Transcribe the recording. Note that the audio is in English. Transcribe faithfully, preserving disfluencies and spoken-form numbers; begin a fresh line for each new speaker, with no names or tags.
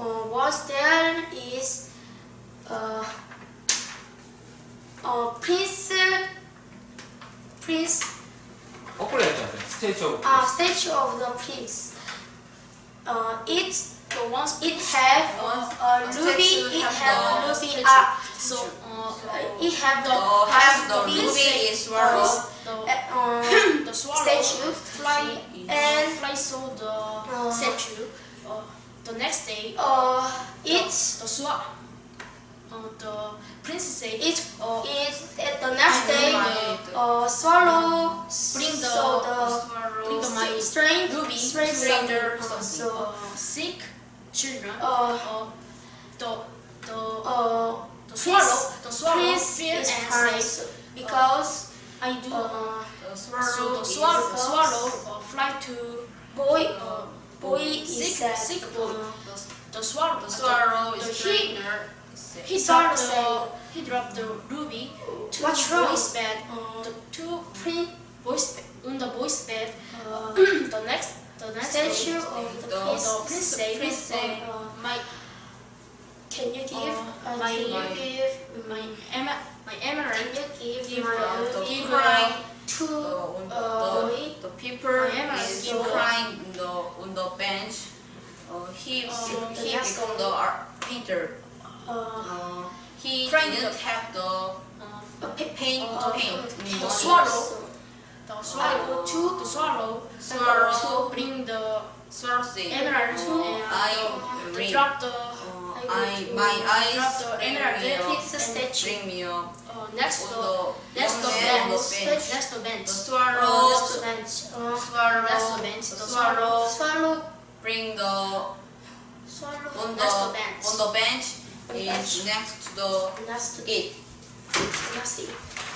uh, was there is uh, uh, Prince Prince
엇불려 했잖아. 스테이지 오브
uh, statue of the prince. Uh, it
So once
it have
Once
uh,
a
ruby.
statue
It
have
have
the
ruby.
statue.
Uh,
so uh,
it have the
The have the
ruby
ruby is swallow.
the
uh,
the swallow
statue
fly
and
fly saw the statue. Uh, the next day,
uh,
the,
it
the swa uh, the princess said,
it
uh,
it at the next day
the-
uh, swallow
Bring the-
so
bring
the
the my
strange
ruby
strange
to
stranger
the
so
uh, sick children.
uh,
Uh, the the
uh,
the swallow the swallow
Prince
fear
is
and
crying
said,
because
I do.
uh,
The
so
swallow
the swallow, the
is
swallow uh, fly to
boy
uh,
boy
sick
is sad.
sick boy.
Uh,
The swallow
the swallow
the,
is
the, he,
trainer.
he
Swallow
dropped the
said,
he dropped the ruby to
What's
the
wrong?
boy's bed.
uh,
The two
Prince
boys on the boy's bed.
uh,
the next the next
statue
day,
of the
The
prince.
the prince said,
Prince said,
uh, my
Can you give?
Uh,
Uh,
my-
can you
my-
give?
my em- my emerald
Can you give
give
my
the-
the
give
crying
to
Uh, on the,
uh, boy?
the, the people
I am
is
asking.
crying on the on the bench. Uh, he
Um,
he
yes.
become the art painter.
Uh,
Uh, he
Crying
didn't
the-
have the
uh,
a pi-
paint
uh,
to paint.
uh,
in
the
money.
swallow.
So,
the swallow
to
the swallow
Swallow.
to bring the
Swallow say,
emerald
uh,
to and
I
the,
read.
drop the
Uh,
I go
I
to
my eyes
drop the
bring
emerald
me a-
It's a statue.
bring me a
uh, next
on
to
the
next to
young man on the
bench
bench.
next to bench
The
uh,
swallow
next to bench. Uh,
swallow
next to bench
the
the
swallow
swallow.
bring the
Swallow.
on the
Next to bench.
on the bench
On
is
bench.
next to the
Next to
gate.
Next to